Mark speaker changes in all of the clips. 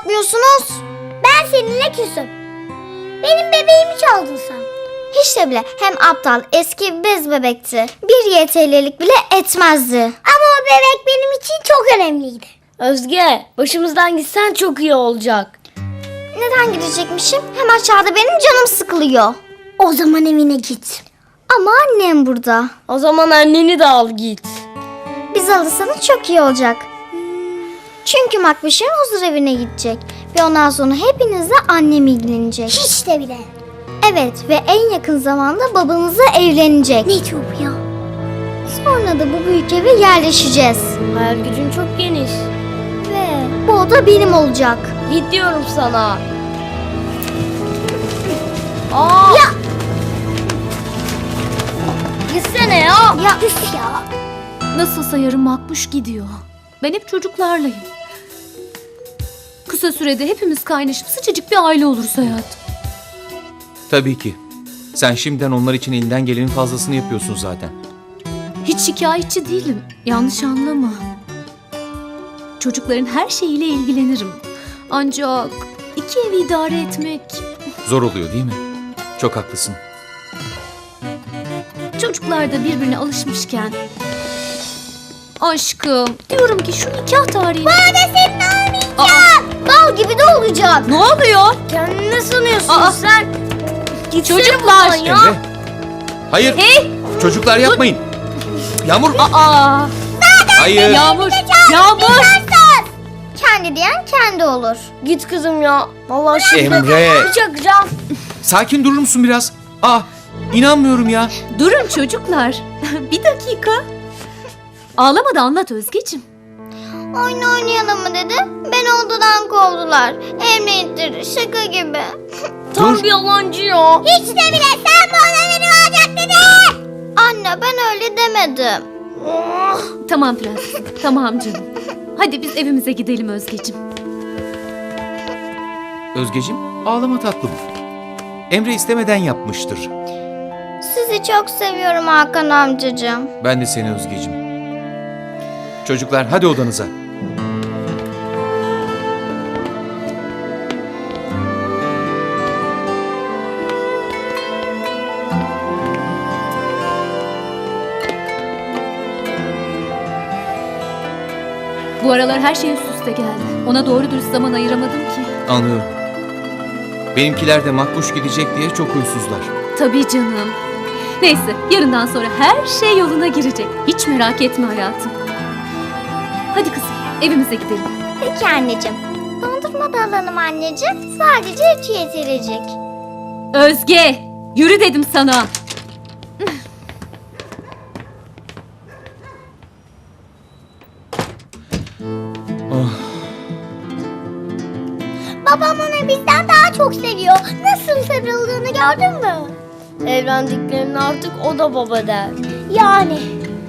Speaker 1: bakmıyorsunuz?
Speaker 2: Ben seninle küsüm. Benim bebeğimi çaldın sen.
Speaker 1: Hiç de bile, hem aptal, eski bir bez bebekti. Bir YTL'lik bile etmezdi.
Speaker 2: Ama o bebek benim için çok önemliydi.
Speaker 3: Özge, başımızdan gitsen çok iyi olacak.
Speaker 1: Neden gidecekmişim? Hem aşağıda benim canım sıkılıyor.
Speaker 2: O zaman evine git.
Speaker 1: Ama annem burada.
Speaker 3: O zaman anneni de al git.
Speaker 1: Biz alırsanız çok iyi olacak. Çünkü Makbuş'un huzur evine gidecek. Ve ondan sonra hepinizle annem ilgilenecek.
Speaker 2: Hiç de bile.
Speaker 1: Evet, ve en yakın zamanda babanızla evlenecek.
Speaker 2: Ne çok ya.
Speaker 1: Sonra da bu büyük eve yerleşeceğiz.
Speaker 3: Hayal gücün çok geniş.
Speaker 1: Ve bu oda benim olacak.
Speaker 3: Git diyorum sana. Aa!
Speaker 1: Ya!
Speaker 3: Gitsene ya.
Speaker 1: Ya
Speaker 2: Üf ya.
Speaker 4: Nasılsa yarın Makbuş gidiyor. Ben hep çocuklarlayım. Kısa sürede hepimiz kaynaşıp sıcacık bir aile oluruz hayatım.
Speaker 5: Tabii ki. Sen şimdiden onlar için elinden gelenin fazlasını yapıyorsun zaten.
Speaker 4: Hiç şikayetçi değilim. Yanlış anlama. Çocukların her şeyiyle ilgilenirim. Ancak iki evi idare etmek...
Speaker 5: Zor oluyor değil mi? Çok haklısın.
Speaker 4: Çocuklar da birbirine alışmışken... Aşkım, diyorum ki şu nikah tarihini...
Speaker 2: Bana senin olmayacak.
Speaker 1: bal gibi de olacak.
Speaker 4: Ne oluyor?
Speaker 3: Kendini ne sanıyorsun
Speaker 4: Aa!
Speaker 3: sen? Gitsene
Speaker 4: Çocuklar!
Speaker 3: buradan ya.
Speaker 5: Emre. Hayır. Çocuklar yapmayın. Yağmur.
Speaker 4: Aa!
Speaker 5: Hayır.
Speaker 4: Yağmur! Yağmur!
Speaker 1: Kendi diyen kendi olur.
Speaker 3: Git kızım ya. Vallahi şimdi
Speaker 5: Emre.
Speaker 3: çakacağım.
Speaker 5: Sakin durur musun biraz? İnanmıyorum ya.
Speaker 4: Durun çocuklar. Bir dakika. Ağlama da anlat Özgeciğim.
Speaker 1: Oyun oynayalım mı dedi. Beni odadan kovdular. Emre ittirdi, şaka gibi.
Speaker 3: Tam
Speaker 5: Dur.
Speaker 3: bir yalancı ya.
Speaker 2: Hiç de bile sen bu oda benim olacak dedin.
Speaker 1: Anne, ben öyle demedim.
Speaker 4: Tamam prensesim. Tamam canım. Hadi biz evimize gidelim Özgeciğim.
Speaker 5: Özgeciğim, ağlama tatlım. Emre istemeden yapmıştır.
Speaker 1: Sizi çok seviyorum Hakan amcacığım.
Speaker 5: Ben de seni Özgeciğim. Çocuklar hadi odanıza.
Speaker 4: Bu aralar her şey üst üste geldi. Ona doğru dürüst zaman ayıramadım ki.
Speaker 5: Anlıyorum. Benimkiler de Makbuş gidecek diye çok huysuzlar.
Speaker 4: Tabii canım. Neyse yarından sonra her şey yoluna girecek. Hiç merak etme hayatım. Hadi kızım evimize gidelim.
Speaker 1: Peki anneciğim. Dondurma da alalım anneciğim. Sadece 3 yetirecek.
Speaker 4: Özge yürü dedim sana.
Speaker 2: Babam onu bizden daha çok seviyor. Nasıl sarıldığını gördün mü?
Speaker 3: Evlendiklerinde artık o da baba der.
Speaker 2: Yani.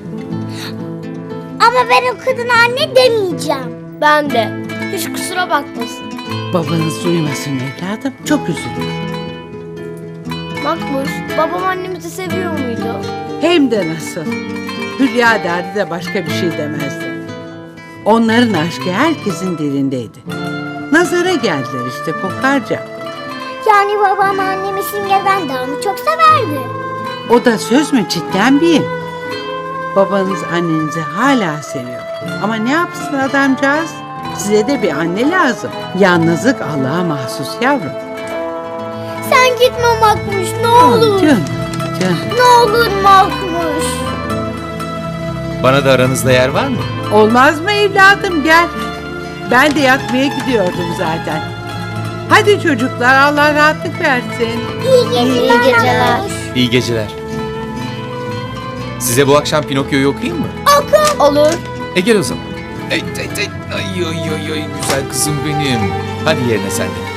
Speaker 2: Ama ben o kadına anne demeyeceğim.
Speaker 3: Ben de. Hiç kusura bakmasın.
Speaker 6: Babanız duymasın evladım. Çok üzülür.
Speaker 3: Makbuş, babam annemizi seviyor muydu?
Speaker 6: Hem de nasıl. Hülya derdi de başka bir şey demezdi. Onların aşkı herkesin dilindeydi. Nazara geldiler işte kokarca.
Speaker 2: Yani babam annemi Simge'den daha mı çok severdi?
Speaker 6: O da söz mü cidden bir? Babanız annenizi hala seviyor. Ama ne yapsın adamcağız? Size de bir anne lazım. Yalnızlık Allah'a mahsus yavrum.
Speaker 2: Sen gitme Makmuş ne olur.
Speaker 6: Canım, canım.
Speaker 2: Ne olur Makmuş.
Speaker 5: Bana da aranızda yer var mı?
Speaker 6: Olmaz mı evladım gel. Ben de yatmaya gidiyordum zaten. Hadi çocuklar Allah rahatlık versin.
Speaker 2: İyi geceler.
Speaker 5: İyi geceler. Size bu akşam Pinokyo'yu okuyayım mı?
Speaker 3: Olur.
Speaker 5: Gel o zaman. Ay, ay, ay, ay, ay, ay, güzel kızım benim. Hadi yerine sen de.